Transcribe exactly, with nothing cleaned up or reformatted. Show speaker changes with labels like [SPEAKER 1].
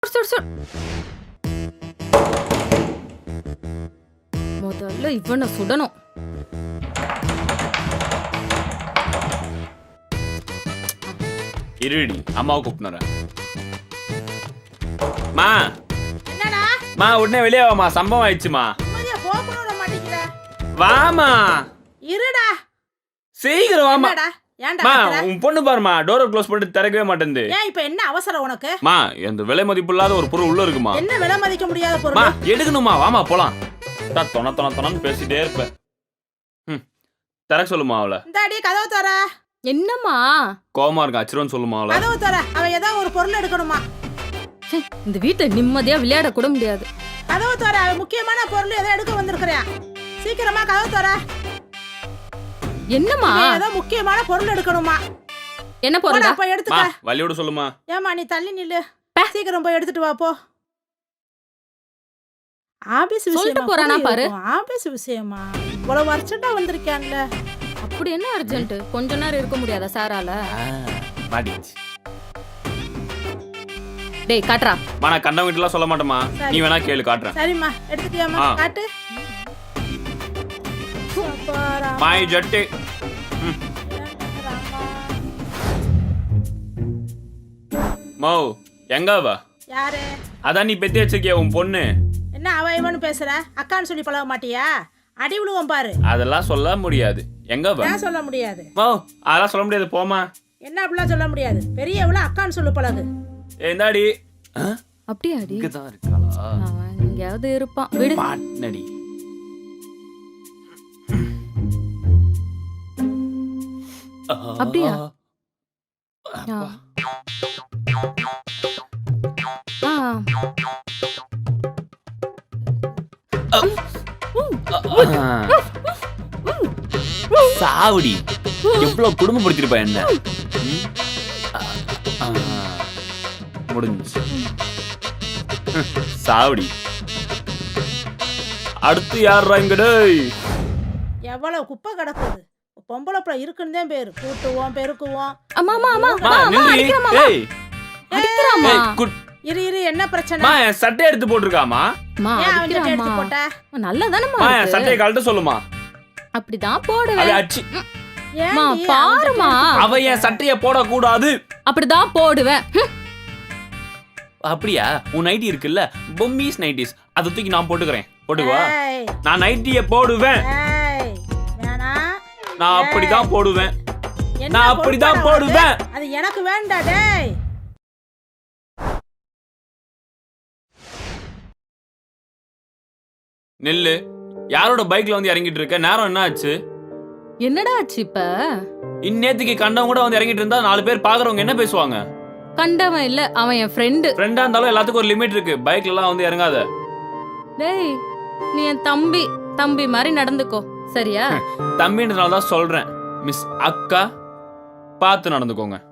[SPEAKER 1] சுடு, சுடு. முதல்ல இவனை சுடணும்.
[SPEAKER 2] இருடி அம்மாவை கூப்பிட்டுறேன். மா
[SPEAKER 3] என்னடா
[SPEAKER 2] மா உடனே வெளியே வாமா, சம்பவம் ஆயிடுச்சுமா.
[SPEAKER 3] நிம்மதியா போகணும் விட மாட்டேங்கிற.
[SPEAKER 2] வாமா
[SPEAKER 3] இருடா.
[SPEAKER 2] சீக்கிரம் வாமா.
[SPEAKER 3] என்னடா ஏன்டா
[SPEAKER 2] மா
[SPEAKER 3] கத்துற?
[SPEAKER 2] உன் பொண்ணு பாருமா, டோரை க்ளோஸ் பண்ணிட்டு திறக்கவே மாட்டேங்குது.
[SPEAKER 3] ஏன் இப்ப என்ன அவசரம் உனக்கு?
[SPEAKER 2] மா இந்த விலை மதிப்பு இல்லாத ஒரு பொருள் உள்ள இருக்குமா.
[SPEAKER 3] என்ன விலை மதிக்க முடியாத
[SPEAKER 2] மா
[SPEAKER 3] பொருள்?
[SPEAKER 2] எடுக்கணுமா, வாமா போலாம். தான் தொண தொண தொணன்னு பேசிட்டே இருப்ப. ம் திறக்க சொல்லுமா அவளை.
[SPEAKER 3] இந்த அடி கதவு தர.
[SPEAKER 1] என்னம்மா
[SPEAKER 2] கோவமா இருக்கா, அச்சிரோன்னு சொல்லுமா அவளை.
[SPEAKER 3] கதவு தர. அவ ஏதோ ஒரு பொருள் எடுக்கணுமா?
[SPEAKER 1] ச்சே, இந்த வீட்டை நிம்மதியா விளையாட கூட முடியாது.
[SPEAKER 3] கதவு தர. அவ முக்கியமான பொருள் ஏதோ எடுக்க வந்திருக்கிறியா? சீக்கிரமா கதவு தர.
[SPEAKER 1] என்னம்மா
[SPEAKER 3] ஏதோ முக்கியமான பொருள் எடுக்கணுமா?
[SPEAKER 1] என்ன
[SPEAKER 3] போடா
[SPEAKER 1] போறடா?
[SPEAKER 3] போய்
[SPEAKER 2] மா
[SPEAKER 3] எடுத்துக்க.
[SPEAKER 2] வழியோட சொல்லுமா.
[SPEAKER 3] ஏமா நீ தள்ளி நில்லு. சீக்கிரம் போய் எடுத்துட்டு வா போ. ஆபீஸ்
[SPEAKER 1] சொல்லிட்டு
[SPEAKER 3] விஷயமா
[SPEAKER 1] போறானா
[SPEAKER 3] போய்
[SPEAKER 1] பாரு.
[SPEAKER 3] இருக்கும். ஆபீஸ் விஷயமா இவ்வளவு அர்ஜென்ட்டா வந்திருக்கான்ல.
[SPEAKER 1] அப்படி என்ன அர்ஜென்ட்? கொஞ்ச நேரம் இருக்க முடியாதா சாரால?
[SPEAKER 2] மாட்டிச்சு.
[SPEAKER 1] டேய் காட்றா.
[SPEAKER 2] மா நான் கண்ட வீட்டுலாம் சொல்ல மாட்டேமா, நீ வேணா கேளு, காட்டுறேன்.
[SPEAKER 3] சரிம்மா எடுத்துட்டியாமா?
[SPEAKER 2] ஆ.
[SPEAKER 3] காட்டு. அப்பா, ராமா.
[SPEAKER 2] மாய் ஜட்டு. ம்.
[SPEAKER 3] ராமா.
[SPEAKER 2] மோ எங்க வா?
[SPEAKER 3] யாரு?
[SPEAKER 2] அதான் நீ பெத்தி வச்சிருக்கிய உன் பொண்ணு.
[SPEAKER 3] என்ன அவ இவனு பேசுற? அக்கான்னு சொல்லி பழக மாட்டியா? அடி விழுவோம் பாரு.
[SPEAKER 2] அதெல்லாம் சொல்ல முடியாது. எங்க வா?
[SPEAKER 3] ஏன் சொல்ல முடியாது?
[SPEAKER 2] மோ அதெல்லாம் சொல்ல முடியாது, போமா.
[SPEAKER 3] என்ன அப்படிலாம் சொல்ல முடியாது? பெரியவள அக்கான்னு சொல்லு பழகு.
[SPEAKER 2] ஏந்தாடி
[SPEAKER 1] அப்படியாடி?
[SPEAKER 2] இங்கதான் இருக்காளா?
[SPEAKER 1] அவன் எங்கேயாவது இருப்பான். விடு.
[SPEAKER 2] மாட்னடி.
[SPEAKER 1] அப்படியா? ஆ. ஆ.
[SPEAKER 2] சாவடி எவ்வளவு குடும்பப்படுத்திருப்பா என்ன. ம்? ஆ, முடிஞ்சு. சாவடி. அடுத்து யாரா இங்க? டேய்
[SPEAKER 3] எவ்வளவு குப்பை கிடக்குது. பொம்பளை பிள்ளை இருக்குன்னு தான் பேரு. கூட்டுவோம் பெருக்குவோம்.
[SPEAKER 1] அம்மா அம்மா அம்மா
[SPEAKER 2] மா
[SPEAKER 1] அம்மா,
[SPEAKER 2] நில்றி.
[SPEAKER 1] அடிக்கிறாம்மா.
[SPEAKER 2] ஏய்
[SPEAKER 1] அடிக்கிறாம்மா.
[SPEAKER 2] ஏய் குட்.
[SPEAKER 3] இரு இரு என்ன பிரச்சனை?
[SPEAKER 2] மா என் சட்டை எடுத்து போட்டுருக்காமா.
[SPEAKER 1] அம்மா
[SPEAKER 3] ஏன் அவன் சட்டை
[SPEAKER 1] அடிக்கிறாம்மா.
[SPEAKER 3] எடுத்து போட்ட?
[SPEAKER 1] நல்லதானம்மா
[SPEAKER 2] மா என்
[SPEAKER 1] இருக்கு.
[SPEAKER 2] சட்டையை கழட்ட சொல்லுமா.
[SPEAKER 1] அப்படிதான்
[SPEAKER 2] அவ
[SPEAKER 1] போடுவேன்.
[SPEAKER 2] அச்சி.
[SPEAKER 3] ஏன்
[SPEAKER 1] மா,
[SPEAKER 3] நீ
[SPEAKER 1] பாரும்மா.
[SPEAKER 3] அவன் சட்டை
[SPEAKER 2] அவ
[SPEAKER 3] எடுத்து
[SPEAKER 2] என் சட்டைய போடக்கூடாது.
[SPEAKER 1] அப்படிதான் போடுவேன். ஹம்.
[SPEAKER 2] அப்படியா? உன் நைட்டி இருக்குல்ல, பொம்மிஸ் நைட்டிஸ், அதை தூக்கி நான் போட்டுக்கிறேன். போட்டுக்குவா.
[SPEAKER 3] ஏய்,
[SPEAKER 2] நான் நைட்டிய போடுவேன்.
[SPEAKER 3] ஏய், வேணாம்.
[SPEAKER 2] நான் அப்படிதான் போடுவேன்.
[SPEAKER 3] என்ன
[SPEAKER 2] நான் அப்படிதான்
[SPEAKER 3] பொறுப்பா உனக்கு?
[SPEAKER 2] போடுவேன்.
[SPEAKER 3] அது எனக்கு வேண்டாம் டேய்.
[SPEAKER 2] நெல்லு யாரோட பைக்ல வந்து இறங்கிட்டு இருக்க? நேரம் என்ன ஆச்சு?
[SPEAKER 1] என்னடா ஆச்சு இப்ப?
[SPEAKER 2] இந்நேத்துக்கு கண்டவங்க கூட வந்து இறங்கிட்டு இருந்தா நாலு பேர் பாக்குறவங்க என்ன பேசுவாங்க?
[SPEAKER 1] கண்டவன் இல்ல, அவன் என் ஃப்ரெண்டு.
[SPEAKER 2] ஃப்ரெண்டா இருந்தாலும் எல்லாத்துக்கும் ஒரு லிமிட் இருக்கு. பைக்ல எல்லாம் வந்து இறங்காத.
[SPEAKER 1] டேய் நீ என் தம்பி தம்பி மாதிரி நடந்துக்கோ சரியா?
[SPEAKER 2] தம்பின்றனால தான் சொல்றேன். மிஸ் அக்கா பார்த்து நடந்துக்கோங்க.